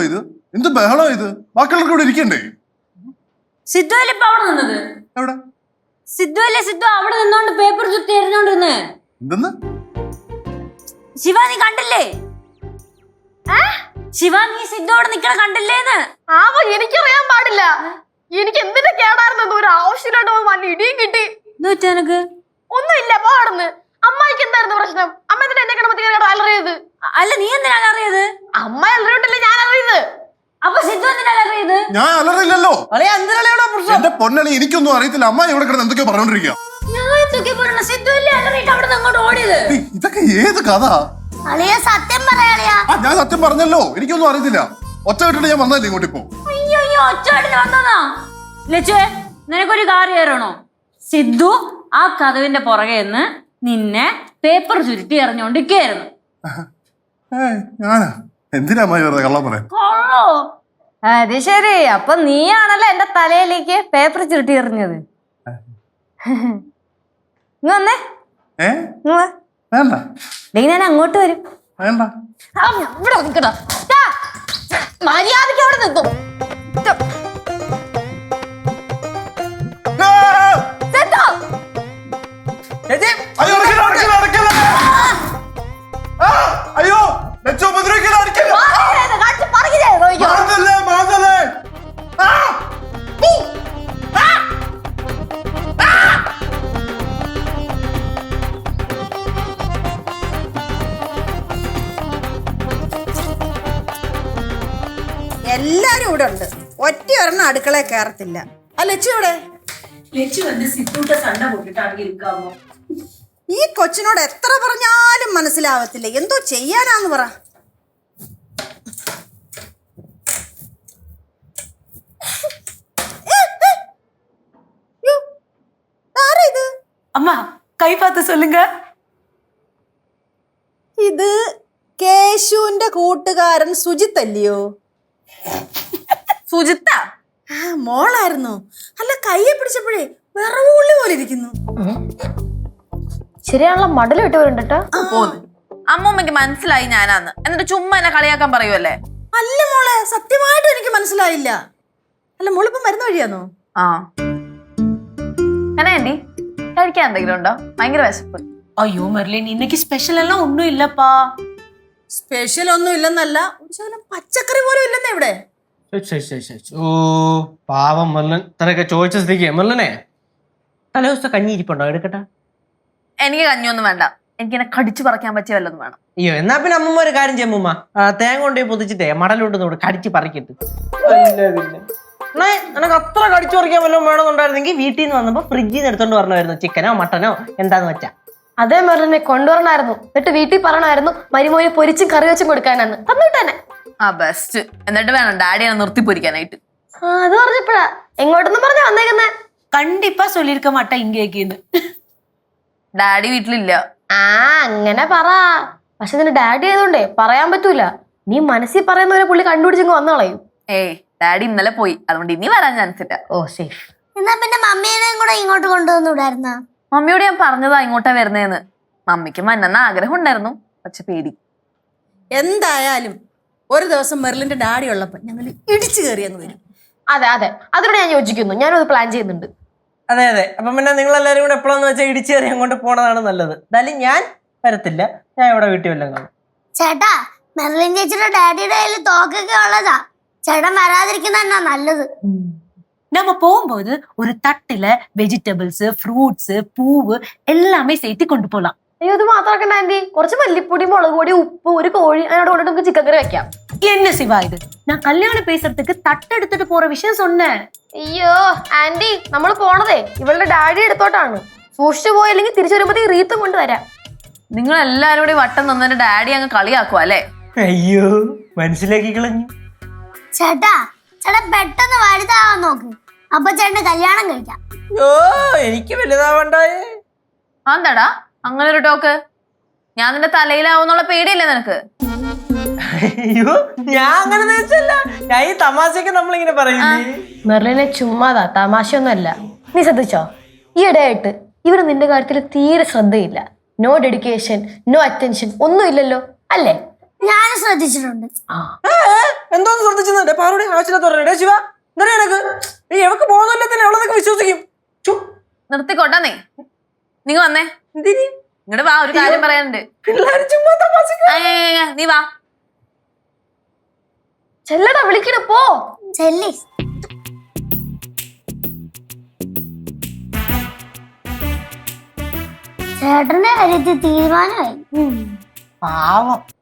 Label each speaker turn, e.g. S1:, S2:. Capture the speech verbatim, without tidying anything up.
S1: ഇത്? എന്ത് ബഹളം ഇത്? ബാക്കിയുള്ളവർക്ക് ഇവിടെ ഇരിക്കണ്ടേ?
S2: സിദ്ധു അല്ലേ ഇപ്പൊ അവിടെ നിന്നത്?
S1: എവിടെ?
S2: സിദ്ധു അല്ലേ സിദ്ധു അവിടെ നിന്നോണ്ട് പേപ്പർ ചുറ്റി എറിഞ്ഞോണ്ടിരുന്ന്.
S1: എന്തെന്ന്?
S2: ശിവ നീ കണ്ടില്ലേ? ശിവ നീ സിദ്ധു അവിടെ നിക്കണ കണ്ടില്ലേന്ന്?
S3: ആവോ എനിക്കറിയാൻ പാടില്ല. എനിക്ക് എന്തിന്റെ കേടായിരുന്നു? ഒരു ആവശ്യമില്ലാണ്ട് വല്ല ഇടിയും കിട്ടി.
S2: എനക്ക്
S3: ഒന്നുമില്ല പോടന്ന്. അമ്മായിക്ക് എന്തായിരുന്നു പ്രശ്നം? അമ്മ എന്തിനാ എന്നെ കിടമ്പത്തി അലറിയത്?
S2: അല്ല നീ എന്തിനാ അറിയത്?
S3: അമ്മ അലറിയോണ്ടല്ലേ ഞാൻ അറിയത്.
S2: അപ്പൊ സിദ്ധു എന്തിനാ അറിയത്?
S1: ഞാൻ അലറില്ലല്ലോ. എന്റെ പൊന്നളി എനിക്കൊന്നും അറിയത്തില്ല. അമ്മ ഇവിടെ കിടന്ന് എന്തൊക്കെയോ പറഞ്ഞോണ്ടിരിക്കുക. ഇതൊക്കെ ഏത് കഥ?
S2: സത്യം പറയാ.
S1: ഞാൻ സത്യം പറഞ്ഞല്ലോ, എനിക്കൊന്നും അറിയത്തില്ല. ഒറ്റ വിട്ടിട്ട് ഞാൻ വന്നല്ലേ ഇങ്ങോട്ട് ഇപ്പോ.
S2: നിനക്കൊരു കാര്യം അറിയണോ? സിദ്ധു ആ കഥവിന്റെ പുറകെ നിന്ന് നിന്നെ പേപ്പർ ചുരുട്ടി എറിഞ്ഞോണ്ടിരിക്കായിരുന്നു.
S1: ഞാനാ? എന്തിനാ അമ്മ വെറുതെ കള്ളം പറയാൻ?
S3: അത് ശരി. അപ്പൊ നീയാണല്ലോ എന്റെ തലയിലേക്ക് പേപ്പർ ചുരുട്ടി എറിഞ്ഞത്. വന്നേ
S1: വേണ്ട,
S3: ഞാൻ അങ്ങോട്ട് വരും.
S1: വേണ്ട,
S3: ഇവിടെ നിൽക്കണ മര്യാദയ്ക്ക് അവിടെ നിൽക്കും.
S1: അയ്യോ
S4: എല്ലാരും ഇവിടെ ഉണ്ട്. ഒറ്റ ഒരെണ്ണം അടുക്കളയിൽ കയറത്തില്ല. ആ ലച്ചു ഇവിടെ. ഈ കൊച്ചിനോട് എത്ര പറഞ്ഞാലും മനസ്സിലാവത്തില്ല. എന്തോ ചെയ്യാനാന്ന് പറ. ആരാ
S2: അമ്മ കൈ പാത്ത് സൊല്ലുങ്ക.
S4: ഇത് കേശുവിന്റെ കൂട്ടുകാരൻ സുജിത്ത് അല്ലയോ?
S3: സുജിത്ത?
S4: ആ മോളായിരുന്നു. അല്ല കയ്യെ പിടിച്ചപ്പോഴേ വിറവുള്ളി പോലെ ഇരിക്കുന്നു.
S3: ശരിയാണല്ലോ, മടല് വിട്ട് വരുന്നുണ്ട്.
S5: അമ്മൂമ്മക്ക് മനസ്സിലായി ഞാനാന്ന്. എന്നിട്ട് ചുമ്മാ എന്നെ കളിയാക്കാൻ പറയുമല്ലേ?
S4: അല്ല മോളെ, സത്യമായിട്ടും എനിക്ക് മനസ്സിലായില്ല. അല്ല മോളിപ്പോ മരുന്ന് വഴിയാന്നോ?
S5: ആ ആന്റി കഴിക്കാൻ എന്തെങ്കിലും ഉണ്ടോ? ഭയങ്കര വിശപ്പ്.
S2: അയ്യോ മെർലിൻ, ഇന്നേക്ക് സ്പെഷ്യൽ എല്ലാം ഒന്നും ഇല്ലപ്പാ.
S4: സ്പെഷ്യൽ ഒന്നും ഇല്ലെന്നല്ല, പച്ചക്കറി പോലും ഇല്ലെന്നേ ഇവിടെ.
S6: ഓ പാവം മെർലൻ, ഇത്രയൊക്കെ ചോദിച്ച സ്ഥിതിക്ക് മെർലനെ തലേ ദിവസത്തെ കഞ്ഞി ഇരിപ്പുണ്ടോ? എടുക്കട്ടെ.
S5: എനിക്ക് കഞ്ഞിയൊന്നും വേണ്ട. എനിക്ക് എന്നെ കടിച്ചു പറിക്കാൻ പറ്റിയ വല്ലതും വേണം.
S6: അയ്യോ എന്നാ പിന്നെ അമ്മൂമ്മ ഒരു കാര്യം ചെയ്യുമ്മ, തേങ്ങ കൊണ്ടുപോയി പൊതിച്ചിട്ടേ മടലോട്ട് കടിച്ച് പറിക്കിട്ട്. നിനക്ക് അത്ര കടിച്ചു പറിക്കാൻ വല്ലതും വേണമെന്നുണ്ടായിരുന്നെങ്കിൽ വീട്ടിൽ നിന്ന് വന്നപ്പോ ഫ്രിഡ്ജിൽ നിന്ന് എടുത്തോണ്ട് വരണമായിരുന്നു. ചിക്കനോ മട്ടനോ എന്താന്ന് വെച്ചാ.
S3: അതേ മെറിനെ കൊണ്ടുവരണമായിരുന്നു. എന്നിട്ട് വീട്ടിൽ പറയണമായിരുന്നു മരുമോനെ പൊരിച്ചും കറി വെച്ചും കൊടുക്കാനാന്ന്. തന്നിട്ടന്നെ.
S5: ആ ബെസ്റ്റ്. എന്നിട്ട് വേണം ഡാഡിയെ നിർത്തി പൊരിക്കാനായിട്ട്.
S3: അത് പറഞ്ഞപ്പോഴാ എങ്ങോട്ടൊന്നും പറഞ്ഞാ വന്നേക്കുന്നേ.
S2: കണ്ടിപ്പാ ചൊല്ലിരിക്ക മാട്ട ഇങ്ങേന്ന്.
S5: ഡാഡി വീട്ടിലില്ല.
S3: ആ അങ്ങനെ പറ. പക്ഷെ നിന്റെ ഡാഡി ആയതുകൊണ്ടേ പറയാൻ പറ്റൂല. നീ മനസ്സിൽ പറയുന്നവരെ പുള്ളി കണ്ടുപിടിച്ചെങ്കിൽ വന്നു കളയും.
S5: ഏയ് ഡാഡി ഇന്നലെ പോയി, അതുകൊണ്ട് ഇനി വരാൻ ചാൻസ് ഇല്ല.
S3: ഓ സേഫ്.
S2: എന്നാ പിന്നെ മമ്മീനെയും കൂടെ ഇങ്ങോട്ട് കൊണ്ടുവന്നുവിടായിരുന്ന?
S5: മമ്മിയോട് ഞാൻ പറഞ്ഞതാ ഇങ്ങോട്ടാ വരുന്നേന്ന്. മമ്മിക്ക് മന്നെന്ന ആഗ്രഹം ഉണ്ടായിരുന്നു, പക്ഷെ പേടി.
S4: എന്തായാലും ഒരു ദിവസം മെർലിന്റെ ഡാഡി ഉള്ളപ്പോ ഞങ്ങൾ ഇടിച്ചു കയറിയെന്ന് വരും.
S3: അതെ അതെ, അതിനോട് ഞാൻ യോജിക്കുന്നു. ഞാനും അത് പ്ലാൻ ചെയ്യുന്നുണ്ട്.
S6: അതെ അതെ. അപ്പൊ പിന്നെ നിങ്ങൾ എല്ലാവരും കൂടെ എപ്പോഴാന്ന് വെച്ചാൽ ഇടിച്ചേറി അങ്ങോട്ട് പോണതാണ് നല്ലത്. എന്തായാലും ഞാൻ വരത്തില്ല, ഞാൻ ഇവിടെ വീട്ടിൽ വല്ലതും കാണും.
S7: ചേട്ടാ, മെർലിൻ ചേച്ചിയുടെ ഡാഡിയുടെ കയ്യിൽ തോക്കൊക്കെ ഉള്ളതാ. ചേട്ടൻ വരാതിരിക്കുന്ന തന്നെ നല്ലത്.
S2: நம்ம போகும்போது ஒரு தட்டுல வெஜிடபிள்ஸ், ஃப்ரூட்ஸ், பூவு எல்லாமே சேர்த்து கொண்டு போலாம்.
S3: അയ്യോ ഇത് മാത്രമാക്കണ്ട ആന്റി. കുറച്ച് മല്ലിപ്പൊടി, മുളക് പൊടി, ഉപ്പ്, ഒരു കോഴി അതിനോട് കൊണ്ടിട്ട് നമുക്ക് ചിക്കൻ കറി വെക്കാം.
S2: என்ன சிவா இது? நான் கல்யாணம் பேசுறதுக்கு தட்டு எடுத்துட்டு போற விஷயம் சொன்னேன்.
S3: അയ്യോ ആന്റി, നമ്മൾ പോണതേ ഇവളുടെ ഡാഡി എടുത്തോട്ടാണ്. സൂക്ഷിച്ചു പോയില്ലെങ്കിൽ തിരിച്ചു വരുമ്പോഴത്തേക്ക് റീത്തും കൊണ്ട് വരാം.
S5: നിങ്ങൾ എല്ലാരും കൂടി വട്ടം തന്നിട്ട് ഡാഡി അങ്ങ് കളിയാക്കുക അല്ലേ?
S6: അയ്യോ മനസ്സിലാക്കി കളഞ്ഞു.
S7: ചേട്ടാ, ചേട്ടൻ പെട്ടെന്ന് വലുതാവാൻ നോക്ക്. അപ്പൊ ചേട്ടന് കല്യാണം കഴിക്കാം.
S6: ഓ എനിക്ക് വലുതാവണ്ടായേ.
S5: ആന്താടാ അങ്ങനെ ഒരു ടോക്ക്? ഞാൻ നിന്റെ തലയിലാവുന്നുള്ള പേടിയല്ലേ നിനക്ക്?
S6: അയ്യോ ഞാൻ അങ്ങനെ വെച്ചല്ല, ഞാൻ ഈ തമാശക്ക് നമ്മളിങ്ങനെ പറയുന്നേ.
S3: മെർലിനെ ചുമ്മാതാ, തമാശയൊന്നുമല്ല. നീ ശ്രദ്ധിച്ചോ, ഈ ഇടയായിട്ട് ഇവര് നിന്റെ കാര്യത്തിൽ തീരെ ശ്രദ്ധയില്ല. നോ ഡെഡിക്കേഷൻ, നോ അറ്റൻഷൻ ഒന്നും ഇല്ലല്ലോ അല്ലേ?
S7: ഞാനും ശ്രദ്ധിച്ചിട്ടുണ്ട്.
S6: എന്തോന്ന് ശ്രദ്ധിച്ചെന്നുണ്ട് പാറുടെ ആവശ്യമില്ലാത്ത പറഞ്ഞേ ശിവ എന്താ എനക്ക് ഈ എവക്ക് പോകുന്നില്ല തന്നെ അവളതൊക്കെ വിശ്വസിക്കും ചു
S5: നിർത്തിക്കോട്ടാന്നേ നീ വന്നേ
S6: എന്തിനി
S5: ഇങ്ങോട്ട് വാ ഒരു കാര്യം പറയാനുണ്ട്
S6: പിള്ളേര് ചുമ്മാ തമാശക്ക്
S5: ആ, ആ, ആ, നീ വാ
S3: ചെല്ലടാ വിളിക്കണ പോ.
S7: ചെല്ലി ചേട്ടന്റെ കാര്യത്തിൽ തീരുമാനമായി.
S6: പാവം